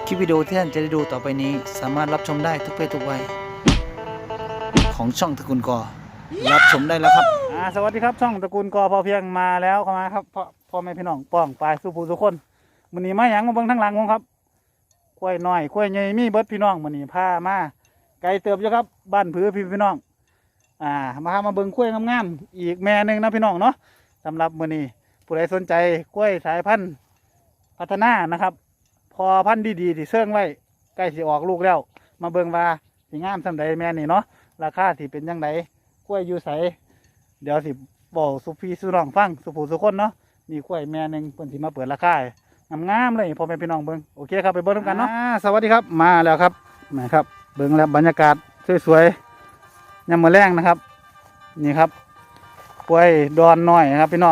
คลิปวิดีโอที่ท่านจะได้ดูต่อไปนี้สามารถรับชมได้ทุกเพศทุกวัยของช่องตระกูลกอรับชมได้แล้วครับสวัสดีครับช่องตระกูลกอพอเพียงมาแล้วเข้ามาครับพ่อแม่พี่น้องป้องปลายสุภูทุกคนมื้อนี้มาหยังมาเบิ่งทั้งหลังผมครับกล้วยน้อยกล้วยใหญ่มีเบิดพี่น้องมื้อนี้พามาไกลเติบอยู่ครับบ้านผือพี่น้องมาเบิ่งกล้วยงามๆอีกแม่นึงนะพี่น้องเนาะสำหรับมื้อนี้ผู้ใดสนใจกล้วยสายพันธุ์พัฒนานะครับพอพันธุ์ดีๆที่เสื่องไว้ใกล้สิออกลูกแล้วมาเบิ่งว่าสิงามส่ำใดแม่นี่เนาะราคาที่เป็นจังไดกล้วยอยู่ไสเดี๋ยวสิบอกสุพีสุน้องฟังสุผู้สุคนเนาะมีกล้วยแม่หนึ่งเพิ่นสิมาเปิดราคางามๆเลยพ่อแม่พี่น้องเบิ่งโอเคครับไปเบิ่งกันเนาะสวัสดีครับมาแล้วครับนะครับเบิ่งแล้วบรรยากาศสวยๆยามมื้อแรงนะครับนี่ครับกล้วยดอนน้อยนะครับพี่น้อง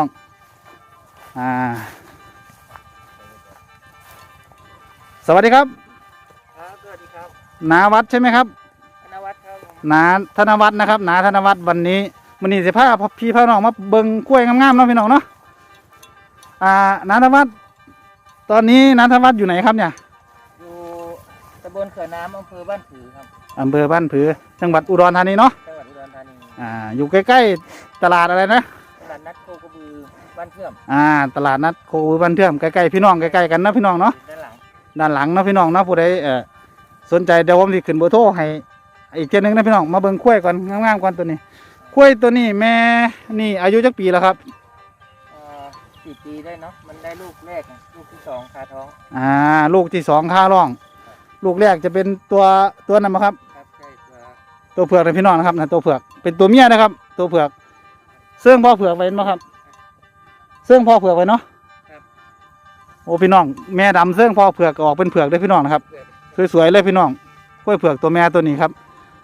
สวัสดีครับสวัสดีครับนาวัดใช่ไหมครับธนวัฒน์ครับนาธนวัฒน์นะครับนาธนวัฒน์วันนี้สิพาพี่น้องมาเบิ่งกล้วยงามๆเนาะพี่น้องเนาะนาธนวัฒน์ตอนนี้นาธนวัฒน์อยู่ไหนครับเนี่ยอยู่ตำบลเขื่อนน้ำอำเภอบ้านผือครับอำเภอบ้านผือจังหวัดอุดรธานีเนาะจังหวัดอุดรธานีอยู่ใกล้ๆตลาดอะไรนะตลาดนัดโคกระบือบ้านเทื่อมตลาดนัดโคกระบือบ้านเทื่อมใกล้ๆพี่น้องใกล้ๆกันนะพี่น้องเนาะด้านหลังเนาะพี่น้องเนาะผู้ใดสนใจเดี๋ยวผมสิขึ้นเบอร์โทรให้อีกเจ้านึงนะพี่น้องมาเบิ่งกล้วยก่อนงามๆก่อนตัวนี้กล้วยตัวนี้แม่นี่อายุจักปีแล้วครับ 4 ปีได้เนาะมันได้ลูกแรกลูกที่2คาท้องลูกที่2ค่าร่องลูกแรกจะเป็นตัวนั้นมั้งครับครับใช่ตัวเผือกนะพี่น้องนะครับนะตัวเผือกเป็นตัวเมียนะครับตัวเผือกเสื่องพ่อเผือกไว้มั้งครับเสื่องพ่อเผือกไว้เนาะโอ้พี่น้องแม่ดำเสื่องพ่อเผือกออกเป็นเผือกได้พี่น้องนะครับสวยๆเลยพี่น้องกล้วยเผือกตัวแม่ตัวนี้ครับ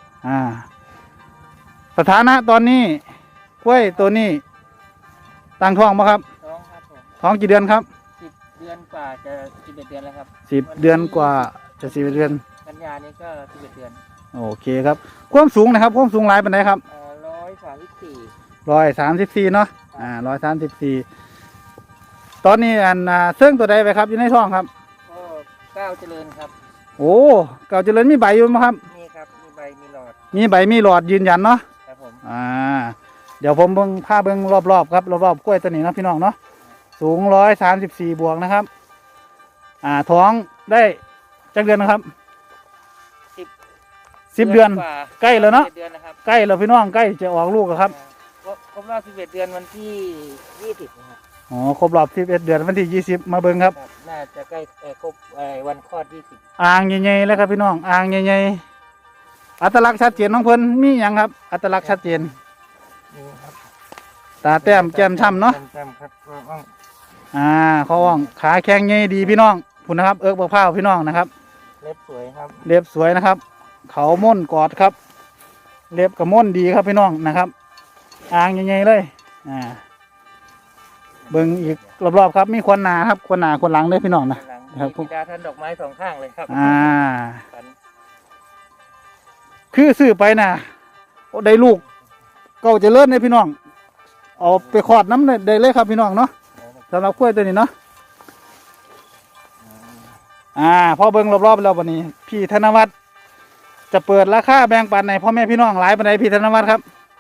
สถานะตอนนี้กล้วยตัวนี้ตั้งท้องมั้งครับท้องครับผมท้องกี่เดือนครับ 10 เดือนกว่าจะ11 เดือนแล้วครับ 10 เดือนกว่าจะ11 เดือนกันยานี้ก็11 เดือนโอเคครับความสูงนะครับความสูงหลายปานใดครับ134เนาะ134ตอนนี้เสื่องตัวใดไปครับอยู่ในท้องครับก็ก้าวเจริญครับโอ้เก่าเจริญมีใบอยู่มั้งครับมีครับมีใบมีหลอดยืนยันเนาะครับผมเดี๋ยวผมเบิ่งผ้าเบิ่งรอบๆครับรอบๆกล้วยตัวนี้เนาะพี่น้องเนาะสูง134บวกนะครับท้องได้จักเดือนนะครับ10 เดือนใกล้แล้วเนาะใกล้แล้วพี่น้องใกล้จะออกลูกแล้วครับครบรอบ11 เดือนวันที่20นะครับครบรอบ11 เดือนวันที่20มาเบิ่งครับน่าจะใกล้ครบวันคลอด20 อ่างใหญ่ๆแล้วครับพี่น้องอ่างใหญ่ๆอัตลักษณ์ชัดเจนของเพิ่นมีหยังครับอัตลักษณ์ชัดเจนตาแต้มแก้มช้ำเนาะครับเขาว่องขาแข็งใหญ่ดีพี่น้องพุ่นนะครับบักพร้าวพี่น้องนะครับเล็บสวยครับเล็บสวยนะครับเขาม่นกอดครับเล็บกับม่นดีครับพี่น้องนะครับอ่างใหญ่ๆเลยเบิ่งอีกรอบๆครับมีควนหนาครับควนหนาควนหลังเลยพี่น้องนะครับมีดาท่านดอกไม้2 ข้างเลยครับคือซื้อไปนะได้ลูกเก่าเจริญเลยพี่น้องเอาไปขอดน้ำได้เลยครับพี่น้องเนาะสำหรับกล้วยตัวนี้เนาะพอเบิ่งรอบๆแล้ววันนี้พี่ธนวัฒน์จะเปิดราคาแบ่งปันในพ่อแม่พี่น้องหลายปานใดพี่ธนวัฒน์ครับ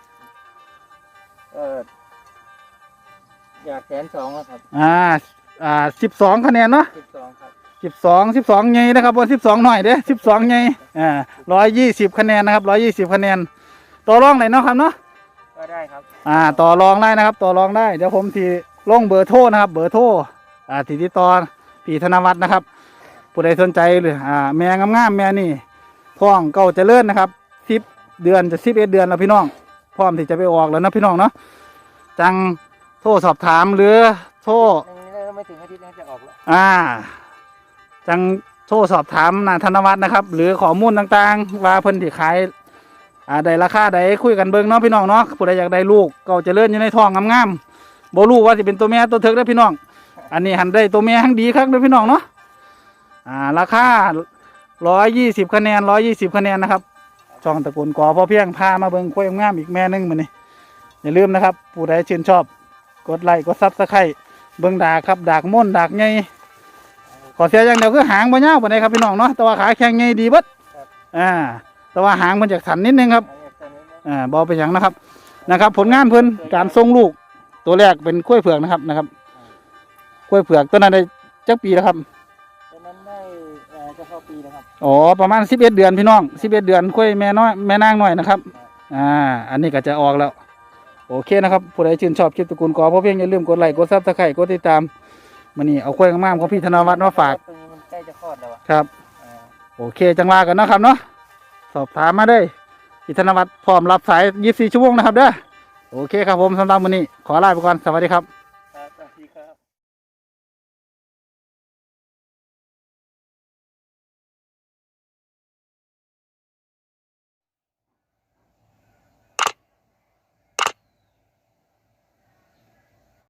อยาก120,000ครับ 12 คะแนนเนาะ 12ครับ 12ไงนะครับบน12หน่อยเด้12ไง120 คะแนนนะครับ120 คะแนนต่อรองไหนเนาะครับเนาะก็ได้ครับต่อรองได้นะครับต่อรองได้เดี๋ยวผมที่ลงเบอร์โทรนะครับเบอร์โทรติดต่อพี่ธนวัฒน์นะครับผู้ใดสนใจหรือแม่งามๆแม่นี่ท้องเก่าเจริญนะครับ10 เดือนจะ11 เดือนแล้วพี่น้องพร้อมที่จะไปออกแล้วนะพี่น้องเนาะจังโทรสอบถามหรือโทรไม่ถึงอาทิตย์นี้จะออกแล้วจังโทรสอบถามธนวัฒน์นะครับหรือข้อมูลต่างๆว่าเพิ่นที่ขายได้ราคาใดคุยกันเบิ่งเนาะพี่น้องเนาะผู้ใดอยากได้ลูกเก่าเจริญอยู่ในท้องงามๆบ่รู้ว่าสิเป็นตัวแม่ตัวเถิกเด้อพี่น้องอันนี้หันได้ตัวแม่ทั้งดีครับเด้อพี่น้องเนาะราคา120 คะแนน120 คะแนนนะครับช่องตระกูลกอพอเพียงพามาเบิ่งกล้วยงามอีกแม่นึงมื้อนี้อย่าลืมนะครับผู้ใดชื่นชอบกดไลค์กดซับสไครต์เบิ่งดากครับดากม่นดากใหญ่ขอเสียอย่างเดียวคือหางบ่ยาวปานใดครับพี่น้องเนาะแต่ว่าขาแข็งใหญ่ดีเบิดแต่ว่าหางมันจะสันนิดนึงครับบ่เป็นหยังนะครับ ผลงานเพิ่นการส่งลูกตัวแรกเป็นกล้วยเผือกนะครับกล้วยเผือกตัวนั้นได้จักปีแล้วครับตอนนั้นได้จะเข้าปีแล้วครับอ๋อประมาณ11 เดือนพี่น้อง11 เดือนกล้วยแม่น้อยแม่นางน้อยนะครับอันนี้ก็จะออกแล้วโอเคนะครับผู้ใดชื่นชอบคลิปตระกูลกอเพราะเพียงอย่าลืมกดไลค์กดซับสไครต์กดติดตามมื้อนี้เอากล้วยงามๆของพี่ธนวัฒน์มาฝากตัวนี้มันใกล้จะคลอดแล้วอะครับโอเคจังว่ากันเนาะครับเนาะสอบถามมาได้พี่ธนวัฒน์พร้อมรับสาย24 ชั่วโมงนะครับเด้อโอเคครับผมสำหรับมื้อนี้ขอลาไปก่อนสวัสดีครับ